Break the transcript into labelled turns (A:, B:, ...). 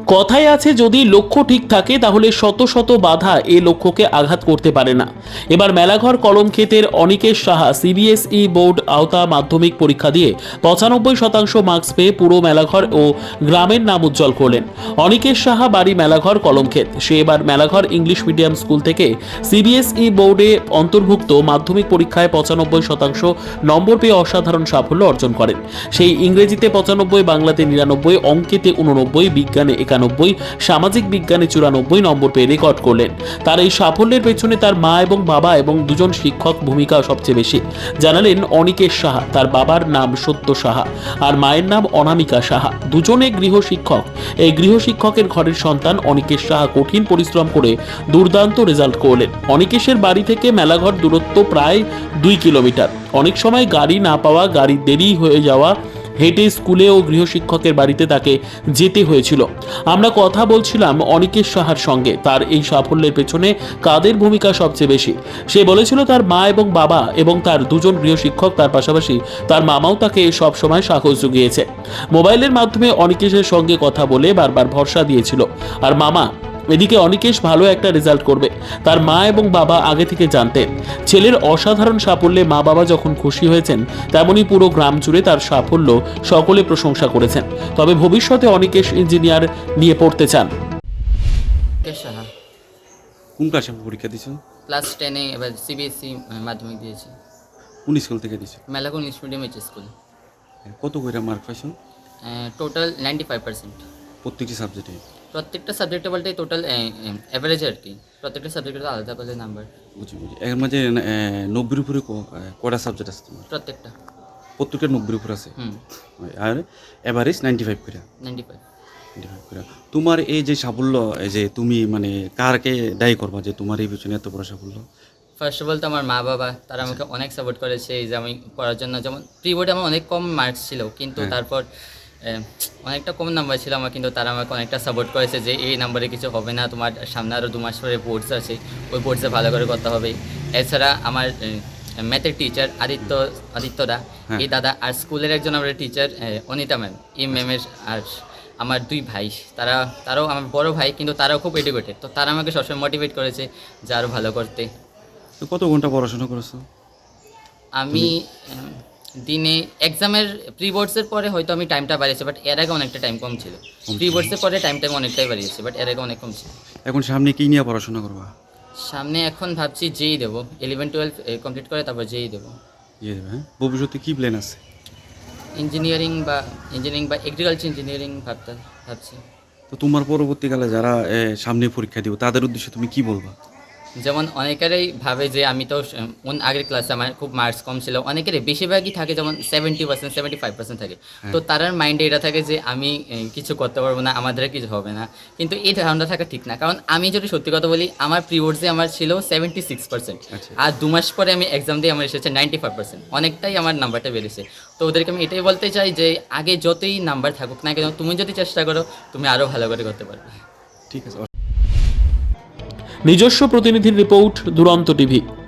A: কথায় আছে, যদি লক্ষ্য ঠিক থাকে তাহলে শত শত বাধা এ লক্ষ্যকে আঘাত করতে পারে না। এবার মেলাঘর কলমক্ষেতের অনিকেশ সাহা সিবিএসই বোর্ড আওতা মাধ্যমিক পরীক্ষা দিয়ে 95% মার্কস পেয়ে পুরো মেলাঘর ও গ্রামের নাম উজ্জ্বল করলেন। অনিকেশ সাহা বাড়ি মেলাঘর কলমক্ষেত। সে এবার মেলাঘর ইংলিশ মিডিয়াম স্কুল থেকে সিবিএসই বোর্ডে অন্তর্ভুক্ত মাধ্যমিক পরীক্ষায় 95% নম্বর পেয়ে অসাধারণ সাফল্য অর্জন করেন। সেই ইংরেজিতে 95, বাংলাতে 99, অঙ্কেতে 89, বিজ্ঞানে 91, সামাজিক বিজ্ঞানে 94 নম্বর পেয়ে রেকর্ড করলেন। তার এই সাফল্যের পেছনে তার মা এবং বাবা এবং দুজন শিক্ষক ভূমিকা সবচেয়ে বেশি। জানালেন অনিকেশ সাহা। তার বাবার নাম সত্য সাহা আর মায়ের নাম অনামিকা সাহা, দুজনে গৃহশিক্ষক। এই গৃহশিক্ষকের ঘরের সন্তান অনিকেশ সাহা কঠিন পরিশ্রম করে দুর্দান্ত রেজাল্ট করলেন। অনিকেশের বাড়ি থেকে মেলাঘর দূরত্ব প্রায় 2 কিলোমিটার। অনেক সময় গাড়ি না পাওয়া, গাড়ি দেরি হয়ে যাওয়া, হেঁটে স্কুলে ও গৃহশিক্ষকের বাড়িতে তাকে যেতে হয়েছিল। আমরা কথা বলছিলাম অনিকেশ সাহার সঙ্গে। তার এই সাফল্যের পেছনে কাদের ভূমিকা সবচেয়ে বেশি? সে বলেছিল তার মা এবং বাবা এবং তার দুজন গৃহশিক্ষক, তার পাশাপাশি তার মামাও তাকে সব সময় সাহস জুগিয়েছে। মোবাইলের মাধ্যমে অনিকেশের সঙ্গে কথা বলে বারবার ভরসা দিয়েছিল। আর মামা এদিকে অনিকেশ ভালো একটা রেজাল্ট করবে তার মা এবং বাবা আগে থেকে জানতেন। ছেলের অসাধারণ সাফল্যে মা বাবা যখন খুশি হয়েছেন, তেমনি পুরো গ্রাম জুড়ে তার সাফল্য সকলে প্রশংসা করেছেন। তবে ভবিষ্যতে অনিকেশ ইঞ্জিনিয়ার নিয়ে পড়তে চান।
B: সাহা
C: কোন ক্লাসে পরীক্ষা দিছো?
B: ক্লাস 10-এ এবার সিবিএসসি মাধ্যমিক দিয়েছি।
C: কোন স্কুল থেকে দিছো?
B: Melaghar English medium school.
C: কত কইরা মার্ক পাইছো?
B: টোটাল 95%।
C: প্রত্যেকটি সাবজেক্টে?
B: প্রত্যেকটা সাবজেক্টে বলতে টোটাল অ্যাভারেজ আর কি, প্রত্যেকটা সাবজেক্টে আলাদা করে নাম্বার।
C: বুঝি। এর মাঝে 90-এর উপরে কয়টা সাবজেক্ট আছে তোমার?
B: প্রত্যেকটা
C: 90-এর উপরে আছে। আর এভারেজ 95 করে?
B: 95
C: করে। তোমার এই যে সাফল্য, এই যে তুমি মানে কারকে দায়ী করবা যে তোমার এই পিছনে এত বড় সাফল্য?
B: ফার্স্ট অফ অল তো আমার মা বাবা, তারা আমাকে অনেক সাপোর্ট করেছে এই যে আমি পড়ার জন্য। যেমন প্রি বোর্ডে আমার অনেক কম মার্কস ছিল, কিন্তু তারপর অনেকটা কম নাম্বার ছিল আমার, কিন্তু তারা আমাকে অনেকটা সাপোর্ট করেছে যে এই নাম্বারে কিছু হবে না, তোমার সামনে আরও 2 মাস পরে বোর্ডস আছে, ওই বোর্ডসে ভালো করে করতে হবে। এছাড়া আমার ম্যাথের টিচার আদিত্যদা, এই দাদা, আর স্কুলের একজন আমার টিচার অনিতা ম্যাম, এই ম্যামের, আর আমার 2 ভাই, তারাও আমার বড় ভাই, কিন্তু তারাও খুব এডুকেটেড, তো তারা আমাকে সবসময় মোটিভেট করেছে যে আরও ভালো করতে।
C: তো কত ঘন্টা পড়াশোনা করেছো?
B: আমি দিনে এক্সামের প্রি বোর্ডসের পরে হয়তো আমি টাইমটা বাড়িয়েছি, বাট এর আগে অনেকটা টাইম কম ছিল। প্রি বোর্ডসের পরে টাইমটা অনেকটাই বাড়িয়েছি, বাট এর আগে অনেক কম ছিল।
C: এখন সামনে কি নিয়ে পড়াশোনা করবা?
B: সামনে এখন ভাবছি যেই দেবো, 11-12 কমপ্লিট করে তারপর যেই দেবো।
C: দেবে? হ্যাঁ। ভবিষ্যতে কি প্ল্যান আছে?
B: ইঞ্জিনিয়ারিং বা এগ্রিকালচার ইঞ্জিনিয়ারিং ভাবছি।
C: তো তোমার পরবর্তীকালে যারা সামনে পরীক্ষা দিব তাদের উদ্দেশ্যে তুমি কি বলবা?
B: যেমন অনেকেরই ভাবে যে আমি তো আগের ক্লাসে আমার খুব মার্কস কম ছিল, অনেকেরই বেশিরভাগই থাকে যেমন 70%, 75% থাকে, তো তার মাইন্ডে এটা থাকে যে আমি কিছু করতে পারবো না, আমাদের কিছু হবে না। কিন্তু এই ধারণা থাকা ঠিক না, কারণ আমি যদি সত্যি কথা বলি, আমার প্রি বোর্ডসে আমার ছিল 76%, আর 2 মাস পরে আমি এক্সাম দিয়ে আমার এসেছে 95%, অনেকটাই আমার নাম্বারটা বেড়েছে। তো ওদেরকে আমি এটাই বলতে চাই যে আগে যতই নাম্বার থাকুক না কেন, তুমি যদি চেষ্টা করো তুমি আরও ভালো করে করতে পারবে।
C: ঠিক আছে।
A: নিজস্ব প্রতিনিধির রিপোর্ট, দুরন্ত টিভি।